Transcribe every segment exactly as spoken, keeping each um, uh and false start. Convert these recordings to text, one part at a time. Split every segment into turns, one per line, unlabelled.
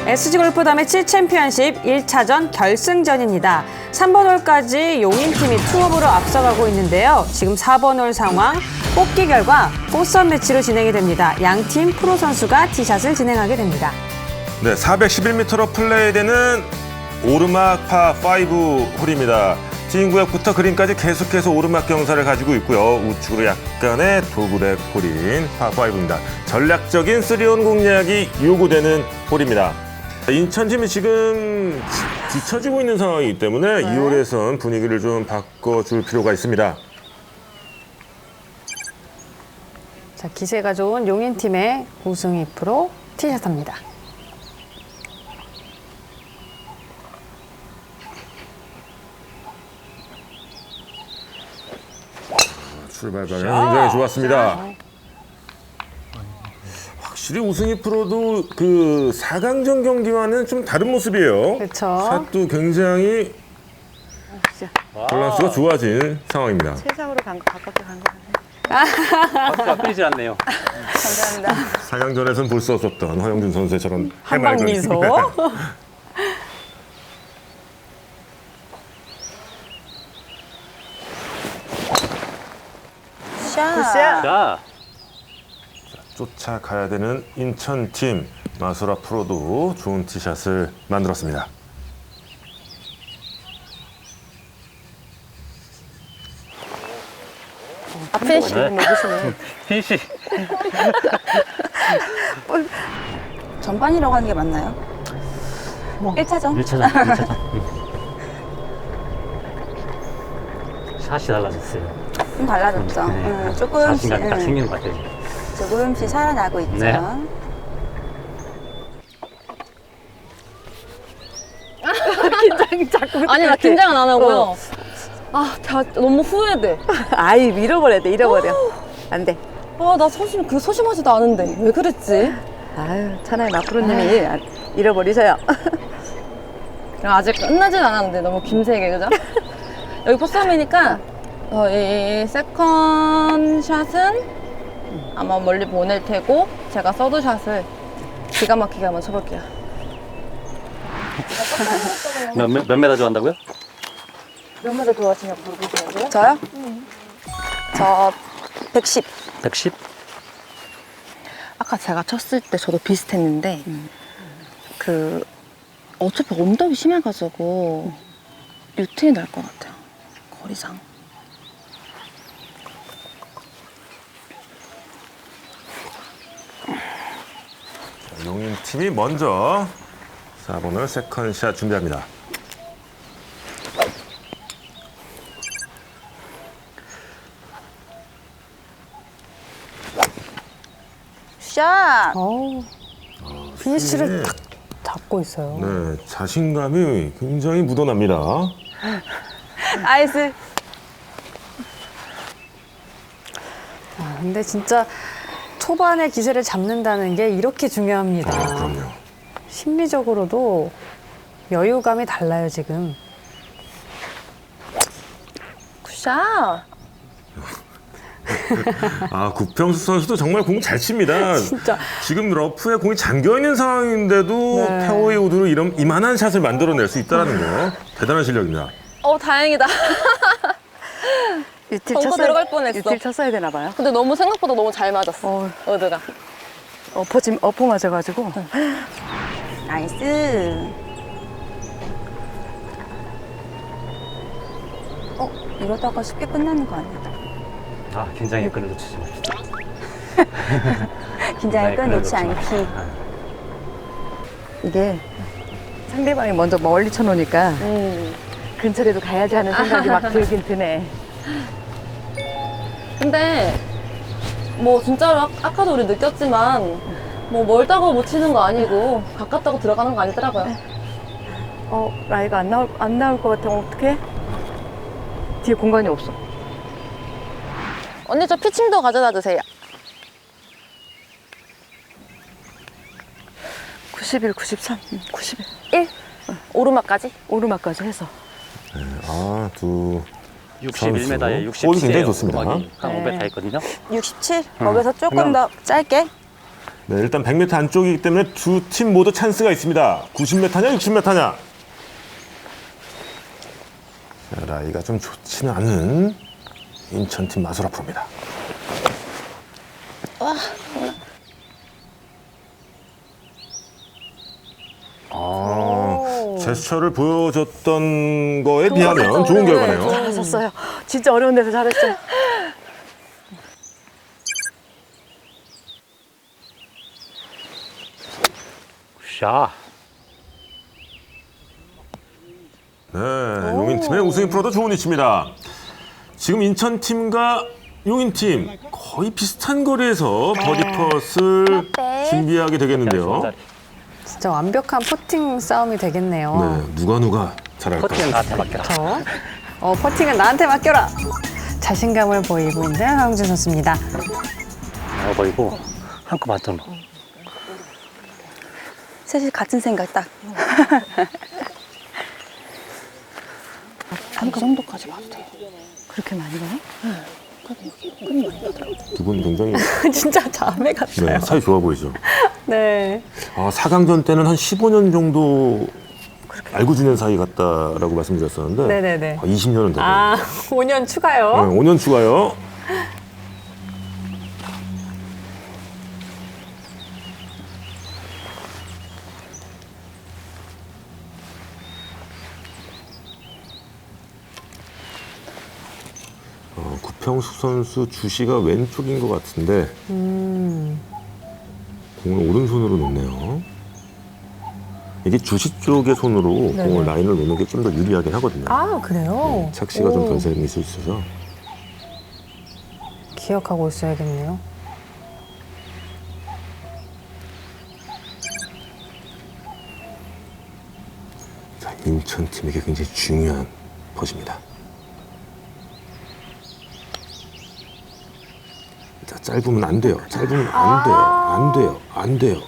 에스지골프담의 칠 챔피언십 일 차전 결승전입니다. 삼 번 홀까지 용인팀이 투업으로 앞서가고 있는데요. 지금 사 번 홀 상황, 뽑기 결과 포선 매치로 진행이 됩니다. 양팀 프로 선수가 티샷을 진행하게 됩니다.
네, 사백십일 미터로 플레이되는 오르막 파 오 홀입니다. 팀 구역부터 그린까지 계속해서 오르막 경사를 가지고 있고요. 우측으로 약간의 도그렉 홀인 파 오입니다. 전략적인 쓰리온 공략이 요구되는 홀입니다. 인천팀이 지금 뒤처지고 있는 상황이기 때문에
네.
이 홀에선 분위기를 좀 바꿔줄 필요가 있습니다.
자, 기세가 좋은 용인팀의 우승희 프로 티샷합니다.
출발 방향 굉장히 좋았습니다. 확실히 우승희 프로도 그 사 강전 경기와는 좀 다른 모습이에요.
그렇죠.
샷도 굉장히 밸런스가 좋아진 상황입니다.
최상으로 간 거, 가깝게 간 거 같아요.
박수가 끊이질 않네요.
감사합니다.
사 강전에서는 볼 수 없었던 허영준 선수의 저런
한방
해맑은
미소.
굿샷.
자,
쫓아가야 되는 인천팀 마소라 프로도 좋은 티샷을 만들었습니다.
앞에 지금 먹으시네.
피니시.
전반이라고 하는 게 맞나요? 일 차전?
일 차전, 일 차전. 샷이 달라졌어요.
좀 달라졌죠.
네.
응, 조금씩,
자신감이 딱
응,
생기는 것 같아요.
조금씩 살아나고 있죠.
네.
긴장이 자꾸.
아니 나 긴장은 안 하고요. 아, 다 너무 후회돼.
아이, 잃어버려야 돼, 잃어버려. 안 돼.
아, 나 소심 그 소심하지도 않은데 왜 그랬지?
아유, 차라리 마프로님이 잃어버리셔요.
아직 끝나진 않았는데 너무 김세게 그죠? 여기 포스함이니까 어, 이, 이 세컨 샷은 아마 멀리 보낼 테고 제가 서드 샷을 기가 막히게 한번 쳐볼게요.
몇, 몇, 몇 메다 좋아한다고요?
몇 마디 좋아하시냐 물어보시냐고요?
저요? 저 백십.
백십?
아까 제가 쳤을 때 저도 비슷했는데 그 어차피 언덕이 심해가지고 유턴이 날 것 같아요. 거리상.
용인팀이 먼저 사 번 홀 세컨샷 준비합니다.
샷!
어우, 피니쉬를 딱 잡고 있어요.
네, 자신감이 굉장히 묻어납니다.
나이스.
아, 근데 진짜 초반에 기세를 잡는다는 게 이렇게 중요합니다.
아, 그럼요.
심리적으로도 여유감이 달라요, 지금.
굿샷!
아, 구평수 선수도 정말 공 잘 칩니다.
진짜.
지금 러프에 공이 잠겨 있는 상황인데도
네.
페어웨이 우드로 이런 이만한 샷을 만들어낼 수 있다는 거 대단한 실력입니다.
어, 다행이다.
유틸
벙커
쳤어야,
들어갈 뻔했어.
유틸 쳤어야 되나 봐요.
근데 너무 생각보다 너무 잘 맞았어.
어,
어드가.
어퍼, 지금 어퍼 맞아가지고. 나이스. 어, 이러다가 쉽게 끝나는 거 아니야?
아, 긴장의 끈을 놓치지 맙시다.
긴장의 끈 놓지 않기. 이게 상대방이 먼저 멀리 쳐놓으니까
음.
근처라도 가야지 하는 생각이 막 들긴 드네.
근데 뭐 진짜로 아, 아까도 우리 느꼈지만 뭐 멀다고 못 치는 거 아니고 가깝다고 들어가는 거 아니더라고요.
어, 라이가 안 나올, 안 나올 것 같아. 어떡해? 뒤에 공간이 없어.
언니 저 피칭도 가져다 주세요.
구십일, 구십삼, 구십일.
일. 오르막까지?
오르막까지 해서.
아, 두
육십일 미터에
골이 굉장히
육십칠이에요.
좋습니다.
한 오 배 다 있거든요.
육십칠? 거기서 조금 더 짧게?
네, 일단 백 미터 안쪽이기 때문에 두 팀 모두 찬스가 있습니다. 구십 미터냐, 육십 미터냐. 자, 라이가 좀 좋지는 않은 인천팀 마소라 프로입니다. 아, 제스처를 보여줬던 거에 비하면 좋은 결과네요.
잘하셨어요. 진짜 어려운 데서 잘했어요.
샤.
네, 용인팀의 우승희 프로도 좋은 위치입니다. 지금 인천팀과 용인팀 거의 비슷한 거리에서 버디 퍼스를 준비하게 되겠는데요.
자리.
진짜 완벽한 퍼팅 싸움이 되겠네요.
네, 누가 누가 잘할까?
퍼팅은 나한테 맡겨라.
저, 어, 퍼팅은 나한테 맡겨라. 자신감을 보이고 있는 황영준 선수입니다.
나가 보이고 한껏 맞잖아.
셋이 같은 생각 딱. 한 그 정도까지 봐도 돼요. 그렇게 많이 가요?
두 분 굉장히
진짜 자매 같아요.
네, 사이 좋아 보이죠.
네.
아, 사 강전 때는 한 십오 년 정도 알고 지낸 사이 같다라고 말씀드렸었는데
네네네.
아, 이십 년은 되네요.
아, 오 년 추가요?
네, 오 년 추가요. 어, 구평수 선수 주시가 왼쪽인 것 같은데
음.
공을 오른손으로 놓네요. 이게 주시 쪽의 손으로
네네.
공을 라인을 놓는 게 좀 더 유리하긴 하거든요.
아, 그래요?
착시가 좀
오,
변색이 있을 수 있어서.
기억하고 있어야겠네요.
자, 인천팀에게 굉장히 중요한 퍼즈입니다. 자, 짧으면 안 돼요. 짧으면 안 돼요. 안 돼요. 안 돼요.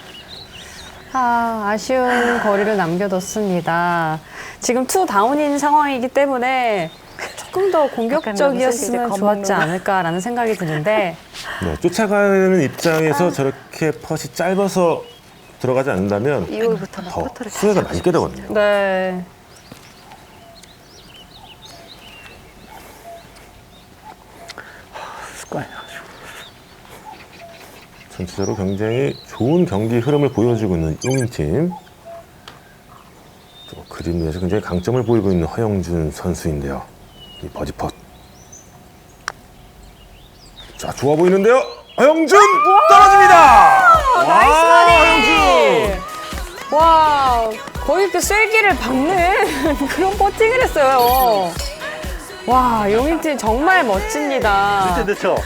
아, 아쉬운 거리를 남겨뒀습니다. 지금 투 다운인 상황이기 때문에 조금 더 공격적이었으면 좋았지 않을까라는 생각이 드는데
네, 쫓아가는 입장에서 저렇게 펫이 짧아서 들어가지 않는다면
이후부터는
더
퍼터를
수혜가 많이 깨되거든요.
네.
습관이야.
전체적으로 굉장히 좋은 경기 흐름을 보여주고 있는 용인팀. 또 그림 위에서 굉장히 강점을 보이고 있는 허영준 선수인데요. 이 버디 펫. 자, 좋아 보이는데요. 허영준 떨어집니다. 와, 허영준.
와, 거의 이렇게 쐐기를 박는 그런 퍼팅을 했어요. 와, 용인팀 정말 멋집니다.
늦죠?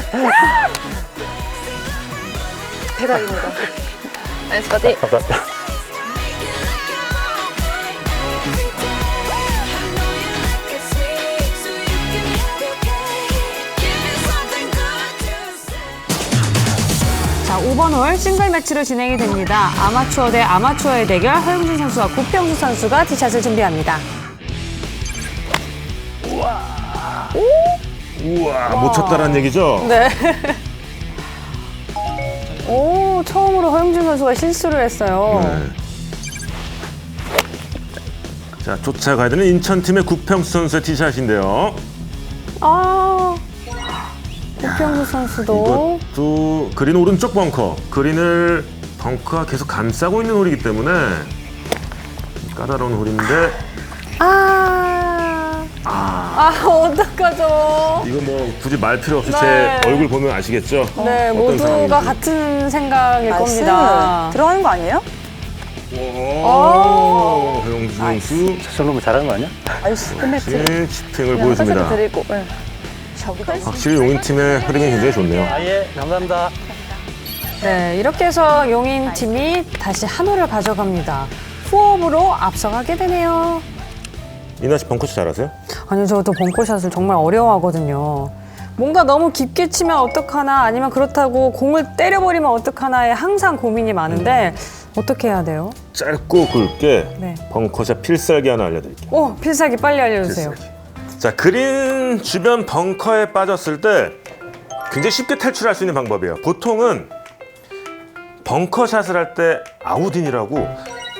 대박입니다. 나이스 바디.
감사합니다.
자, 오 번 홀 싱글 매치로 진행이 됩니다. 아마추어 대 아마추어의 대결, 허영준 선수와 구평수 선수가 티샷을 준비합니다.
우와, 못 쳤다는 얘기죠?
네. 오, 처음으로 허영준 선수가 실수를 했어요.
네. 자, 쫓아가야 되는 인천팀의 구평수 선수의 티샷인데요.
아, 구평수 선수도.
이것도 그린 오른쪽 벙커. 그린을 벙커가 계속 감싸고 있는 홀이기 때문에 까다로운 홀인데
아, 아, 어떡하죠?
이거 뭐 굳이 말 필요 없이
네.
제 얼굴 보면 아시겠죠?
네,
어떤
모두가
상황인지.
같은 생각일
나이스.
겁니다.
들어가는 거 아니에요?
오, 허영준 선수
저 정도면 잘하는 거 아니야?
아이스 끝냈지.
의 치팅을
그냥
보여줍니다.
화살도 드리고. 네. 저기다.
확실히 용인팀의 흐름이 굉장히 좋네요.
아예 감사합니다.
네, 이렇게 해서 용인 팀이 다시 한 홀을 가져갑니다. 후업으로 앞서가게 되네요.
이나 씨 벙커샷 잘하세요?
아니, 저도 벙커샷을 정말 어려워하거든요. 뭔가 너무 깊게 치면 어떡하나 아니면 그렇다고 공을 때려버리면 어떡하나에 항상 고민이 많은데 어떻게 해야 돼요?
짧고 굵게
네.
벙커샷 필살기 하나 알려드릴게요.
오, 필살기 빨리 알려주세요.
필살기. 자, 그린 주변 벙커에 빠졌을 때 굉장히 쉽게 탈출할 수 있는 방법이에요. 보통은 벙커샷을 할 때 아웃인이라고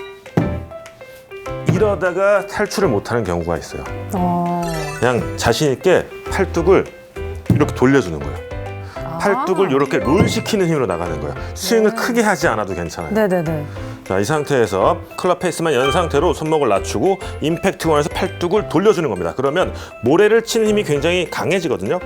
이러다가 탈출을 못하는 경우가 있어요.
어.
그냥 자신 있게 팔뚝을 이렇게 돌려주는 거예요. 팔뚝을 이렇게 롤 시키는 힘으로 나가는 거예요. 스윙을 크게 하지 않아도 괜찮아요.
네네네.
자, 이 상태에서 클럽 페이스만 연 상태로 손목을 낮추고 임팩트 원에서 팔뚝을 돌려주는 겁니다. 그러면 모래를 치는 힘이 굉장히 강해지거든요.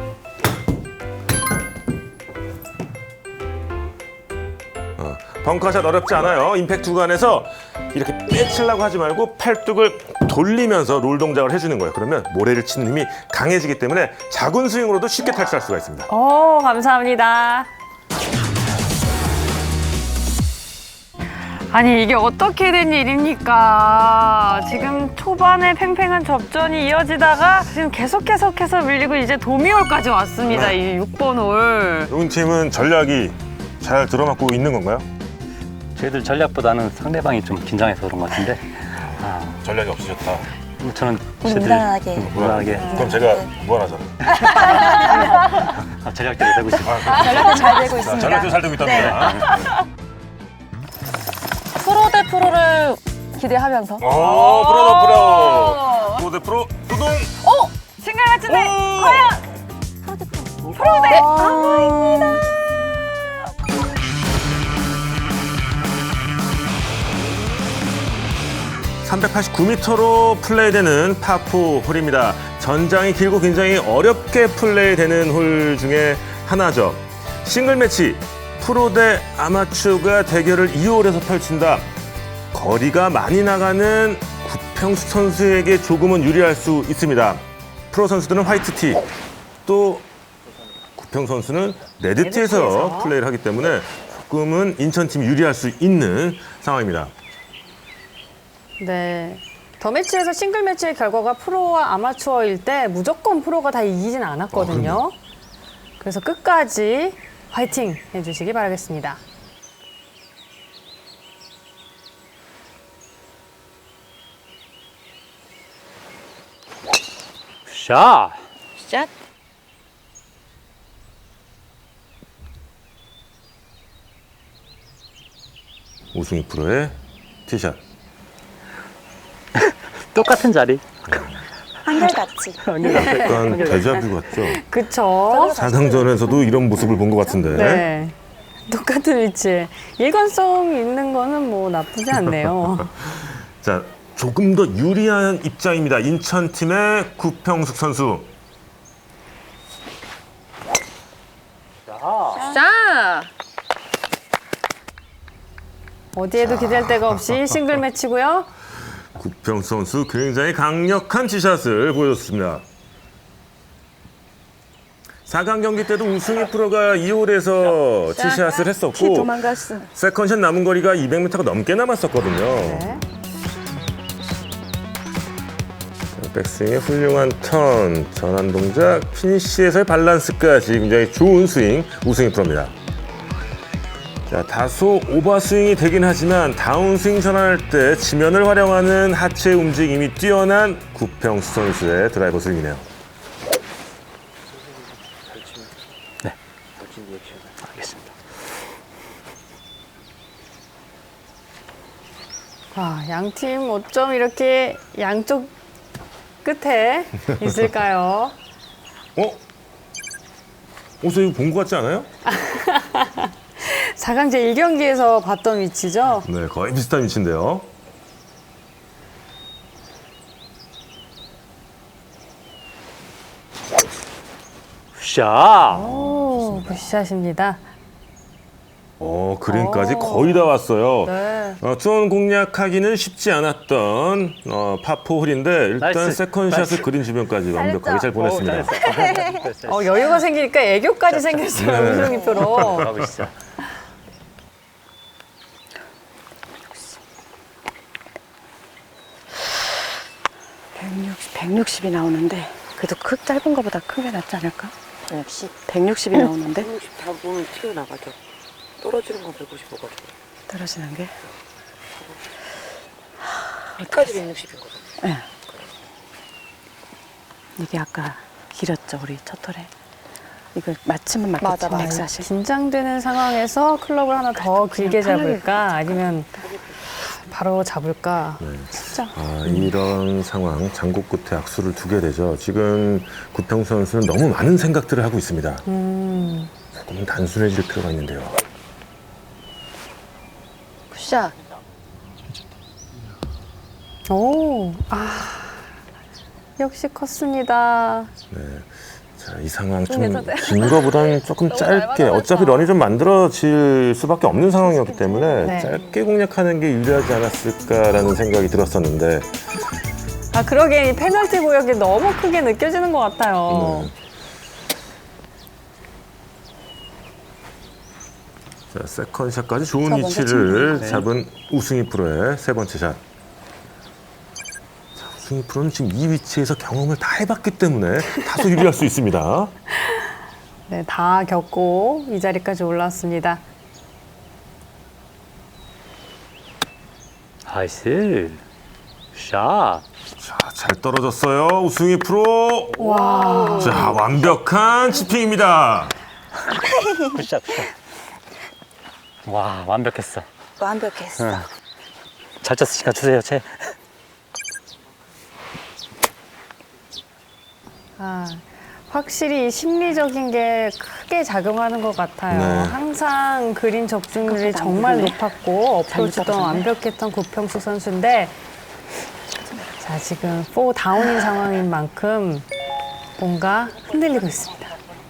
어, 벙커샷 어렵지 않아요. 임팩트 구간에서 이렇게 빼치려고 하지 말고 팔뚝을 돌리면서 롤 동작을 해주는 거예요. 그러면 모래를 치는 힘이 강해지기 때문에 작은 스윙으로도 쉽게 탈출할 수가 있습니다.
오, 감사합니다. 아니, 이게 어떻게 된 일입니까? 지금 초반에 팽팽한 접전이 이어지다가 지금 계속 계속해서 밀리고 이제 도미홀까지 왔습니다.
네.
이 육 번 홀.
용 팀은 전략이 잘 들어맞고 있는 건가요?
저희들 전략보다는 상대방이 좀 긴장해서 그런 것 같은데. 아,
전략이 없으셨다.
뭐 저는 저희들
무난하게.
음, 무난하게
그럼 제가 무한하잖아요.
아, 전략대로 되고 있습니다.
전략도 잘 되고
자,
있습니다.
전략도 잘 되고 있답니다.
프로 대 프로를 기대하면서.
오, 프로 더 프로. 프로 대 프로, 두둥.
생각 같은데,
오!
과연 프로 대 아입니다.
삼백팔십구 미터로 플레이되는 파포 홀입니다. 전장이 길고 굉장히 어렵게 플레이되는 홀 중에 하나죠. 싱글 매치, 프로 대 아마추어가 대결을 이 홀에서 펼친다. 거리가 많이 나가는 구평수 선수에게 조금은 유리할 수 있습니다. 프로 선수들은 화이트티, 또 구평 선수는 레드티에서
레드티에서.
플레이를 하기 때문에 조금은 인천팀이 유리할 수 있는 상황입니다.
네. 더 매치에서 싱글 매치의 결과가 프로와 아마추어일 때 무조건 프로가 다 이기진 않았거든요. 그래서 끝까지 화이팅 해주시기 바라겠습니다.
샷!
샷.
우승희 프로의 티샷.
똑같은 자리.
한결같이.
약간 데자뷰 같죠?
그쵸?
사강전에서도 이런 모습을 본 것 같은데.
네. 똑같은 위치에. 일관성 있는 거는 뭐 나쁘지 않네요.
자, 조금 더 유리한 입장입니다. 인천팀의 구평숙 선수.
자,
어디에도 기댈 데가 없이 싱글 매치고요.
구평숙 선수 굉장히 강력한 티샷을 보여줬습니다. 사 강 경기 때도 우승희 프로가 이 홀에서 티샷을
키
했었고
도망갔어.
세컨샷 남은 거리가 이백 미터가 넘게 남았었거든요.
네.
백스윙의 훌륭한 턴, 전환 동작, 피니시에서의 밸런스까지 굉장히 좋은 스윙, 우승희 프로입니다. 자, 다소 오버스윙이 되긴 하지만 다운스윙 전환할 때 지면을 활용하는 하체 움직임이 뛰어난 구평수 선수의 드라이버 스윙이네요.
알겠습니다.
와, 양팀 어쩜 이렇게 양쪽 끝에 있을까요?
어? 어서 이거 본 것 같지 않아요?
사 강제 일 경기에서 봤던 위치죠?
네, 거의 비슷한 위치인데요.
샷!
오, 굿샷입니다.
어, 그린까지 거의 다 왔어요.
네.
어, 투혼 공략하기는 쉽지 않았던 어, 파포 홀인데 일단
나이스,
세컨샷을
나이스.
그린 주변까지 완벽하게 잘 보냈습니다.
오, 잘했어.
어, 여유가 생기니까 애교까지 생겼어요,
네.
우승희 프로.
가고 있어.
백육십, 백육십이 나오는데 그래도 크 짧은 거보다 큰 게 낫지 않을까?
역시
백육십이 나오는데
백육십 다 보면 튀어나가죠. 떨어지는 건 백오십오거든요.
떨어지는 게.
끝까지 백육십이거든요.
네. 이게 아까 길었죠 우리 첫 톨에. 이거 맞추면 맞겠지.
맞아, 맞아.
백사십.
긴장되는 상황에서 클럽을 하나 더 길게
편하게
잡을까 아니면 바로 잡을까.
네.
진짜.
아, 이런 상황, 장고 끝에 악수를 두게 되죠. 지금 구평 선수는 너무 많은 생각들을 하고 있습니다.
음.
조금 단순해질 필요가 있는데요.
굿샷.
오, 아, 역시 컸습니다.
네. 자, 이 상황
좀
좀
괜찮아요?
긴 거보다는 조금
너무
짧게,
얇아져서.
어차피 런이 좀 만들어질 수밖에 없는 상황이었기 때문에
네.
짧게 공략하는 게 유리하지 않았을까라는 생각이 들었었는데,
아, 그러게 이 페널티 구역이 너무 크게 느껴지는 것 같아요.
네. 자, 세컨샷까지 좋은
자, 먼저
위치를
네.
잡은 우승희 프로의 세 번째 샷. 자, 우승희 프로는 지금 이 위치에서 경험을 다 해봤기 때문에 다소 유리할 수 있습니다.
네, 다 겪고 이 자리까지 올라왔습니다.
나이스. 샷.
자, 잘 떨어졌어요. 우승희 프로.
와,
자, 완벽한 치핑입니다.
굿샷, 굿샷. 와, 완벽했어.
완벽했어.
응. 잘 쳤으니까 주세요, 채.
아, 확실히 이 심리적인 게 크게 작용하는 것 같아요.
네.
항상 그린 적중률이
그것도 안
정말
보이네.
높았고 어프로치도
잘못
완벽했던 구평수 선수인데 자, 지금 사 다운인 상황인 만큼 뭔가 흔들리고 있습니다.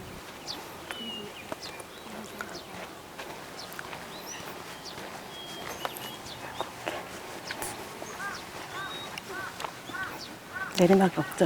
내리막이 없죠.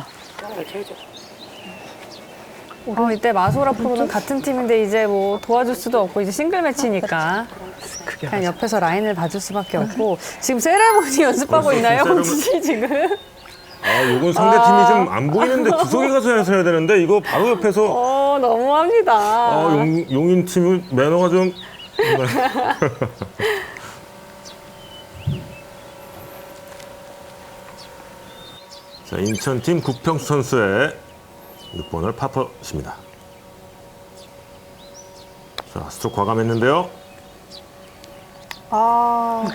어, 이때 마소라 프로는 같은 팀인데 이제 뭐 도와줄 수도 없고 이제 싱글 매치니까 그냥 옆에서 라인을 봐줄 수밖에 없고 지금 세레모니 연습하고
벌써
있나요,
세레모니-
홍진 씨 지금?
아, 요건 상대팀이 좀 안 보이는데 구석에 가서 해서 해야 되는데 이거 바로 옆에서
어, 너무합니다.
아, 용, 용인 팀은 매너가 좀 자, 인천팀 구평수 선수의 육 번을 파퍼십니다. 자, 스트로크 과감했는데요.
아,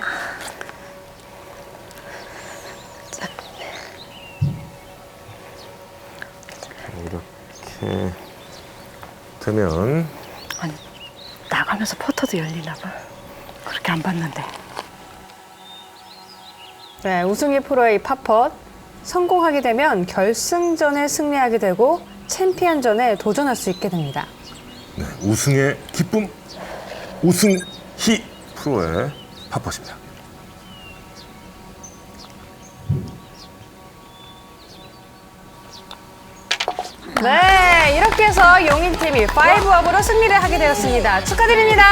이렇게 되면
아니, 나가면서 퍼터도 열리나 봐. 그렇게 안 봤는데.
네, 우승희 프로의 이 팝펫 성공하게 되면 결승전에 승리하게 되고 챔피언전에 도전할 수 있게 됩니다.
네, 우승의 기쁨, 우승희 프로의 파퍼십니다.
네, 이렇게 해서 용인팀이 파이브업으로 승리를 하게 되었습니다. 축하드립니다.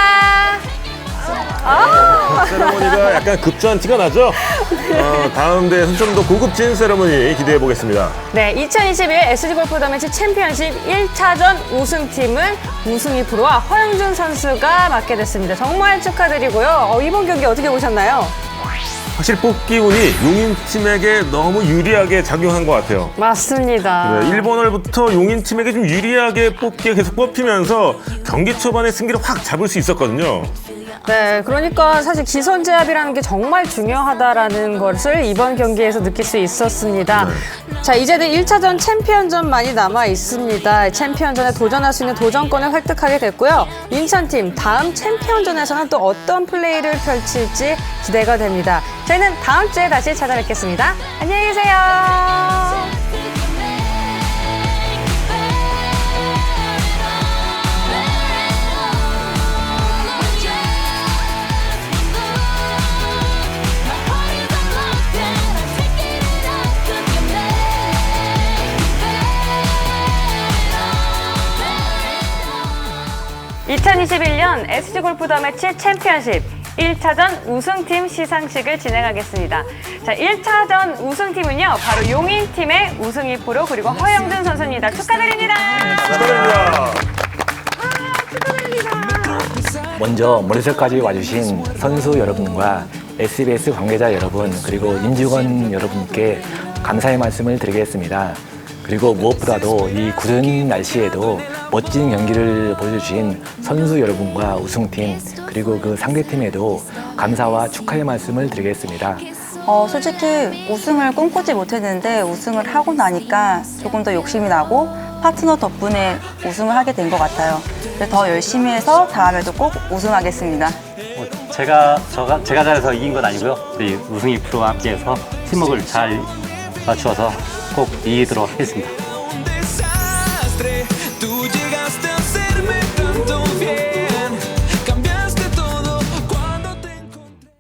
아,
세레머니가 약간 급조한 티가 나죠? 어, 다음 대회에서 좀 더 고급진 세레머니 기대해 보겠습니다.
네, 이천이십일 에스지 골프 더매치 챔피언십 일 차전 우승팀은 우승희 프로와 허영준 선수가 맡게 됐습니다. 정말 축하드리고요. 어, 이번 경기 어떻게 보셨나요?
확실히 뽑기 운이 용인팀에게 너무 유리하게 작용한 것 같아요.
맞습니다.
네, 일 번 홀부터 용인팀에게 좀 유리하게 뽑기가 계속 뽑히면서 경기 초반에 승기를 확 잡을 수 있었거든요.
네, 그러니까 사실 기선 제압이라는 게 정말 중요하다라는 것을 이번 경기에서 느낄 수 있었습니다. 자, 이제는 일 차전 챔피언전만이 남아 있습니다. 챔피언전에 도전할 수 있는 도전권을 획득하게 됐고요. 인천팀 다음 챔피언전에서는 또 어떤 플레이를 펼칠지 기대가 됩니다. 저희는 다음 주에 다시 찾아뵙겠습니다. 안녕히 계세요. 이천이십일 년 에스지 골프 더매치 챔피언십 일 차전 우승팀 시상식을 진행하겠습니다. 자, 일 차전 우승팀은요, 바로 용인팀의 우승희 프로 그리고 허영준 선수입니다. 축하드립니다.
축하드립니다.
먼저 머리설까지 와주신 선수 여러분과 에스비에스 관계자 여러분 그리고 임직원 여러분께 감사의 말씀을 드리겠습니다. 그리고 무엇보다도 이 구른 날씨에도 멋진 경기를 보여주신 선수 여러분과 우승팀 그리고 그 상대팀에도 감사와 축하의 말씀을 드리겠습니다.
어, 솔직히 우승을 꿈꾸지 못했는데 우승을 하고 나니까 조금 더 욕심이 나고 파트너 덕분에 우승을 하게 된 것 같아요. 그래서 더 열심히 해서 다음에도 꼭 우승하겠습니다.
뭐 제가 저가 제가 잘해서 이긴 건 아니고요. 우리 우승이 프로와 함께해서 팀워크를 잘 맞추어서 꼭 이기도록 하겠습니다.